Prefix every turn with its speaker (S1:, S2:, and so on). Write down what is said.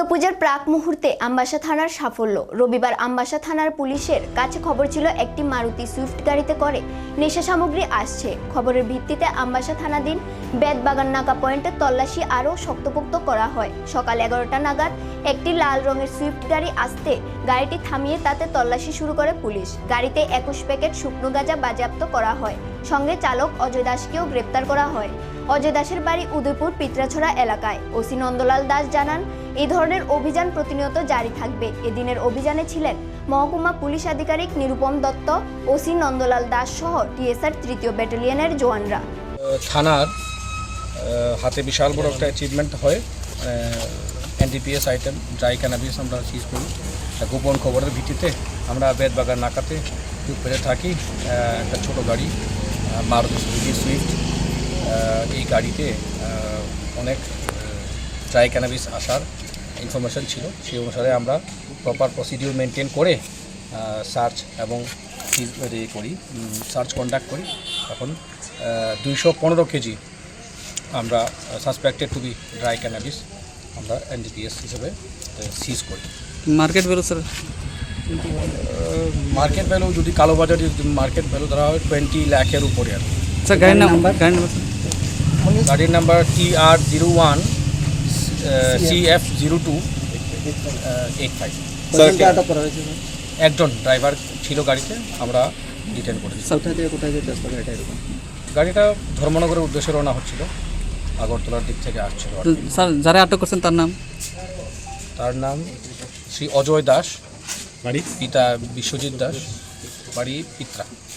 S1: দুর্গাপূজার প্রাক মুহূর্তে আমবাসা থানার সাফল্য। রবিবার আমবাসা থানার পুলিশের কাছে খবর ছিল একটি মারুতি সুইফট গাড়িতে করে নেশা সামগ্রী আসছে। খবরের ভিত্তিতে আমবাসা থানাধীন বেতবাগান নাকা পয়েন্টে তল্লাশি আরও শক্তপোক্ত করা হয়। সকাল 11টা নাগাদ একটি লাল রঙের সুইফট গাড়ি আসতে গাড়িটি থামিয়ে তাতে তল্লাশি শুরু করে পুলিশ। গাড়িতে 21 প্যাকেট শুকনো গাঁজা বাজেয়াপ্ত করা হয়। সঙ্গে চালক অজয় দাসকেও গ্রেপ্তার করা হয়। অজয় দাসের বাড়ি উদয়পুর পিত্রাছড়া এলাকায়। ওসি নন্দলাল দাস জানান, এই ধরনের অভিযান প্রতিনিয়ত জারি থাকবে। এদিনের অভিযানে ছিলেন মহকুমা পুলিশ আধিকারিক নিরুপম দত্ত, ওসি নন্দলাল দাস সহ টিএসআর 3য় ব্যাটালিয়নের জওয়ানরা।
S2: থানার হাতে বিশাল বড় একটা অ্যাচিভমেন্ট হয়। এনডিপিএস আইটেম ড্রাই ক্যানাবিস আমরা সিজ করি। গোপন খবরের ভিত্তিতে আমরা বেতবাগান নাকাতে পেরে থাকি একটা ছোটো গাড়ি মারুতি সুজুকি সুইফট। এই গাড়িতে অনেক ড্রাই ক্যানাবিস আসার ইনফরমেশন ছিল। সেই অনুসারে আমরা প্রপার প্রসিডিউর মেনটেন করে সার্চ এবং সার্চ কন্ডাক্ট করি। এখন 215 কেজি আমরা suspected to be dry cannabis আমরা এনডিপিএস হিসেবে সিজ করি।
S3: Market value sir?
S2: Market value যদি কালোবাজারে মার্কেট ভ্যালু ধরা হয় 20 লাখের উপরে আর
S3: স্যার। গাড়ির নাম্বার
S2: গাড়ির নাম্বার TR01 CF0285। একজন ড্রাইভার ছিল গাড়িতে, আমরা ডিটেন করেছি। গাড়িটা ধর্মনগরের উদ্দেশ্যে রওনা হচ্ছিল, আগরতলার দিক থেকে আসছিল।
S3: স্যার যারা আটক করছেন
S2: তার নাম শ্রী অজয় দাস, বাড়ি পিতা বিশ্বজিৎ দাস, বাড়ি পিত্রা।